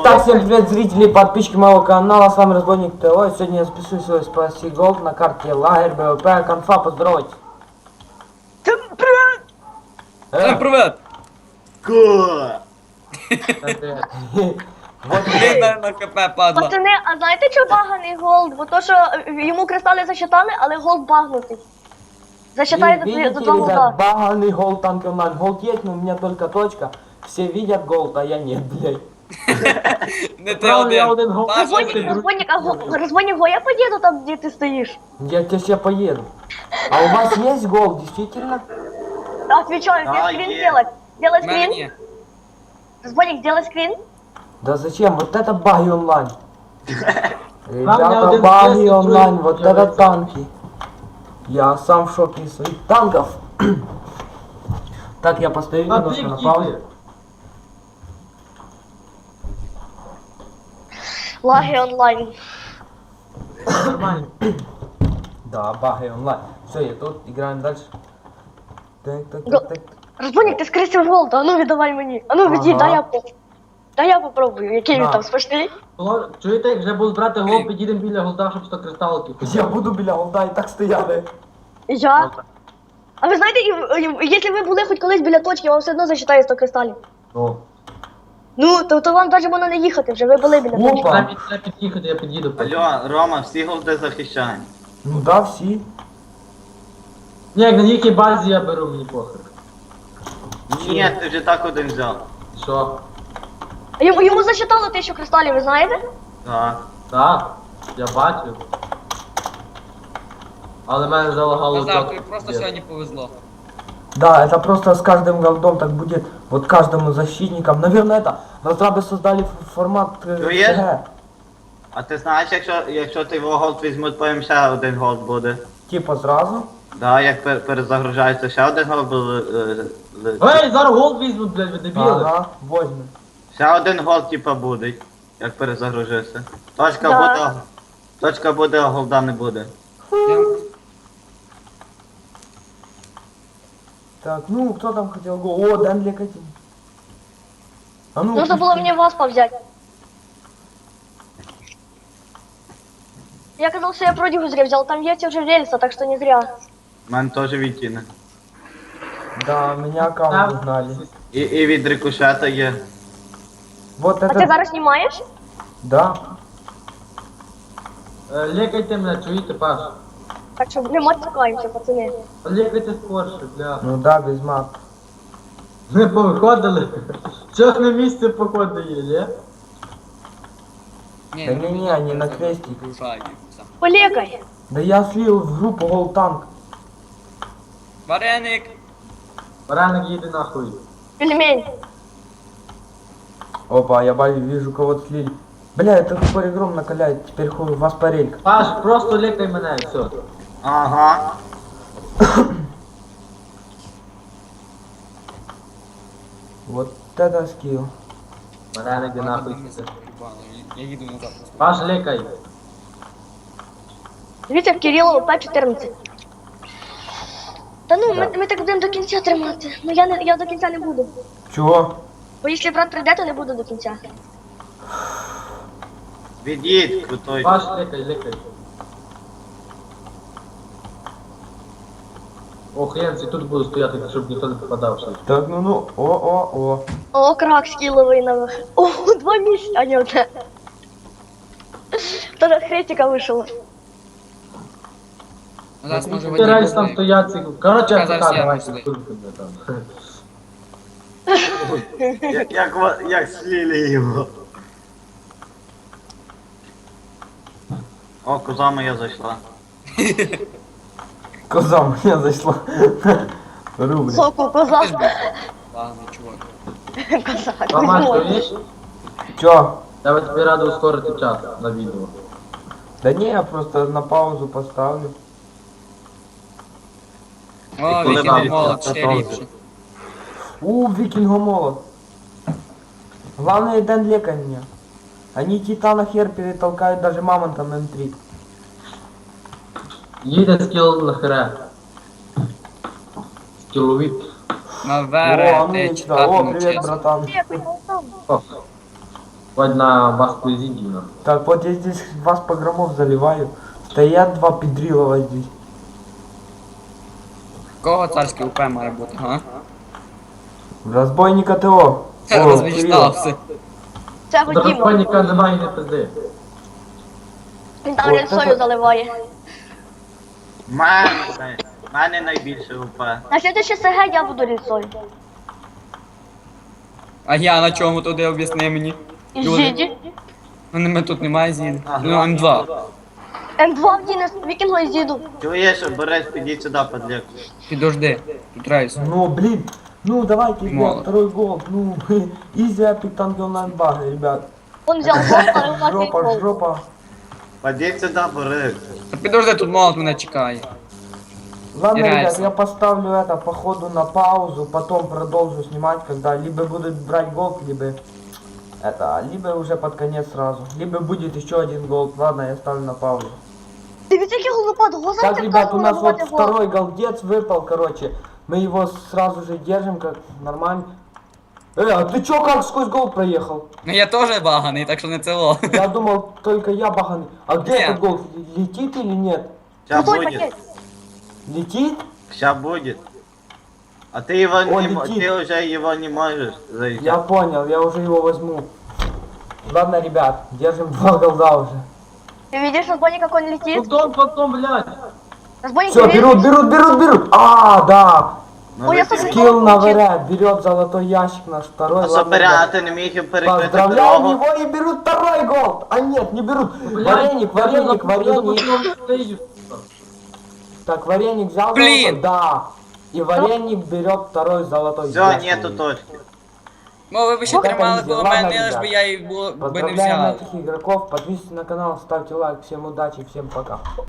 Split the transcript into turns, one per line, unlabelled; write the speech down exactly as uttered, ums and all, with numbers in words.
Так, всем привет, зрители, подписчики моего канала, с вами Разбойник ТВ. Сегодня я спешу свой спаси голд на карте лагерь БВП. Конфа, поздоровайтесь.
Всем привет!
Всем привет!
Ко!
Вот,
Блін, на, на КП падла.
Пацани, а знаєте, що баганий голд? Бо то, що е, йому кристали засчитали, але голд багнутий. Засчитає за, твої- за
видите,
два
ребят,
голда.
баганый голд танк онлайн. Голд есть, но у меня только точка. Все видят голд, а я нет, блядь.
Не ти один. Паша,
Розбойник,
блін.
розбойник, а го- розбойник, го я поїду там, де ти стоїш.
Я тебе сейчас поеду. А у вас есть голд, действительно?
Отвечаю,
Да,
где скрин
есть.
сделать? Сделай
В мене
скрин.
ні.
Розбойник, сделай скрин.
Да зачем? Вот это баги онлайн.
меня
Ребята,
один
баги
тест,
онлайн,
другой
вот
делает.
это танки. Я сам в шоке из своих танков. Так, я постою
А
немножко
ты
на
где
паузе.
ты?
Лаги онлайн.
Нормально.
Да, баги онлайн. Все, я тут, играем дальше. Так, так,
Го-
так, так.
Розбойник, ти скрисив голд, а ну віддавай мені. А ну відій,
Ага.
дай я по. Дай я попробую, який він
На.
там смачний.
Було- Чуєте, як вже будуть брати гол, підійдемо біля голда, щоб сто кристалків.
Я буду біля голда і так стояти.
І я. А ви знаєте, і, і, якщо ви були хоч колись біля точки, вам все одно засчитає сто кристалів.
Ну.
Ну, то, то вам навіть можна не їхати, вже ви були біля точки.
Опа.
Треба під- треба під'їхати, я під'їду.
Алло, Рома, всі голди захищають.
Ну да, всі.
Ні, як на якій базі я беру, мені похер.
Ні, ти вже так один взяв.
Що?
А Йому, йому засчитало тисячу кристалів, ви знаєте?
Так.
Так, я бачив. Але мене залагало.
Назар,
так.
тобі просто сьогодні повезло.
Да, это просто с каждым голдом так будет. Вот каждому защитникам. Наверное, это разрабы создали ф- формат э,
Ну, есть?
ТГ.
А ти знаєш, якщо, якщо ти його голд візьмуть, потім ще один голд буде.
Типа сразу.
Да, як пер- перезагружається ще один голд буде. е, е,
Ей, зараз гол візьмуть, блядь, ви дебіли.
Ага, возьмем.
Ще один голд, типа, буде, як перезагружишся. Точка
Да.
буде, точка буде, а голда не буде.
Я-
Так, ну кто там хотел гол? О, дай мне один. А ну,
Нужно було мені вас взяти. Я казав, що я продюгу зря взял, там есть уже рельса, так что не зря.
У мене теж відтіне.
Да, меня аккаунт
Там-
узнали.
І, і від рикошета є.
Вот
А
это...
ти зараз знімаєш?
Да.
Е, Лікайте мене, чуєте, Паш?
Так що не матюкаємося, пацани.
Лікайте скорше, бля.
Ну да, без мат.
Ми повиходили. Щось на місце походу є, ні?
Ні,
Да
ну,
не-не, они на крестик.
Рушають. Все.
Полікай.
Да я слил в группу гол танк.
Вареник!
Бараник їде нахуй.
Пельмень.
Опа, я баю, вижу кого-то слили. Бля, это тупой игром накаляет, теперь хуй, у вас парелька.
Паш, просто лікай мене, і все.
Ага.
Вот это скилл.
Бараник іде
Ладно,
нахуй.
мені це проїбало, Я я їду назад просто.
Паш, лікай.
Дивіться, в Кирило П чотирнадцять. Та ну, ми, ми так будемо до кінця тримати. Ну я не я до кінця не буду.
Чего?
Бо якщо брат прийде, то не буду до кінця.
Від'їдь, крутой.
Паш, лікай, лікай. Ох, Янці, тут буду стояти, щоб ніхто не попадав. ще.
Так, ну ну, о, о, о.
О, крак скіловий на О, два місяці, а не одне. Тоже хрестика вийшло.
Ну, зараз може
Ти раніше там
водій.
стоять, ці... Короче,
Та, зараз
АФК,
я
давайте,
пішли.
куркуйте там.
Як, як, ва- як слили його. О, коза моя зайшла.
Коза меня зашла. Рубль.
Соку, коза.
Ти ж був. Ладно, чувак.
Коза,
Мама,
коза.
чуєш?
Чё?
Я би тобі радий ускорити час на відео.
Да не, я просто на паузу поставлю.
О,
коли
вікінг
навіть
молот,
це
ще
теж.
ліпше.
У, викингомолот. Главное, Дэн лекай меня. Они Титана хер перетолкают даже мамонтом М три.
Їде скіл на хере. Скіловіт.
На
О,
вере,
а ну
ти
ничего.
читати
О, привет,
навчився.
братан.
Ні, поїхав там.
О, Хоть на Баску Зидина.
Так, вот я здесь вас погромов заливаю. Стоят два педрилова здесь.
Кого царський УП має бути, га?
Разбойника ТО. О, Кирилл.
Розвічтався.
Це Діма.
Драконіка немає не пизди.
Він там
От
рельсою
це-
заливає.
В мене, в мене найбільше УП.
На слідуючий СГ я буду рельсою.
А я на чому туди об'ясни мені?
І
Люди.
Зіді.
Ну, ми тут немає зіди.
Ага.
Ну, М два.
М два в Діна, Вікінго і Зіду.
Чуєш, Борис, підіть сюди, подлік.
Підожди. Тут рейс.
Ну, блин. Ну, давайте, ребят,
Мало.
второй гол. Ну, изи Epic Tank Online баг, ребят.
Он взяв гол, але у нас є
Жопа,
гол.
жопа.
Підіть сюди, Борис.
Та підожди, тут молот мене чекає.
Ладно, ребят,
Теряется.
я поставлю это по ходу на паузу, потом продолжу снимать, когда либо будут брать гол, либо это, либо уже под конец сразу. Либо будет еще один гол. Ладно, я ставлю на паузу.
Дивіться, який голопад, го
Так,
знаєте,
ребят, у нас вот
гол.
второй голдец выпал, короче. Мы его сразу же держим, как нормально. Э, а ты чё, как сквозь гол проехал?
Ну я теж баганий, так що не цело.
Я думал, только я баганый. А где
Нет.
этот гол? Летит или нет?
Ща
Той
буде.
пакет.
Летит?
Ща буде. А ти його
О,
не, мо-
летит.
ти вже його не можеш зайти.
Я понял, я уже его возьму. Ладно, ребят, держим два голда уже.
Ты видишь, разбойник, как он летит?
Потом, потом, блядь.
Разбойник
Все,
берет.
берут, берут, берут, берут. А, да.
Ну,
Ой, я
ви-
собі-
Скилл на ВР, берет золотой ящик наш второй.
А
Ладно,
Соберя,
ребят.
ти не міг їм перекрити
Поздравляем
дорогу.
его и берут второй гол. А нет, не берут.
Блядь,
Вареник,
я
вареник,
за- я за
вареник.
потом стою.
Так, вареник взял
Блин.
золотой? Да. И вареник берет второй золотой
Все,
ящик.
нету точки.
Ну ви б ще
Вот это
тримали
easy.
коло
Ладно,
мене, лиш
ребят.
би я і було би не
Поздравляем
взяв.
этих игроков, подписывайтесь на канал, ставьте лайк, всем удачи, всем пока.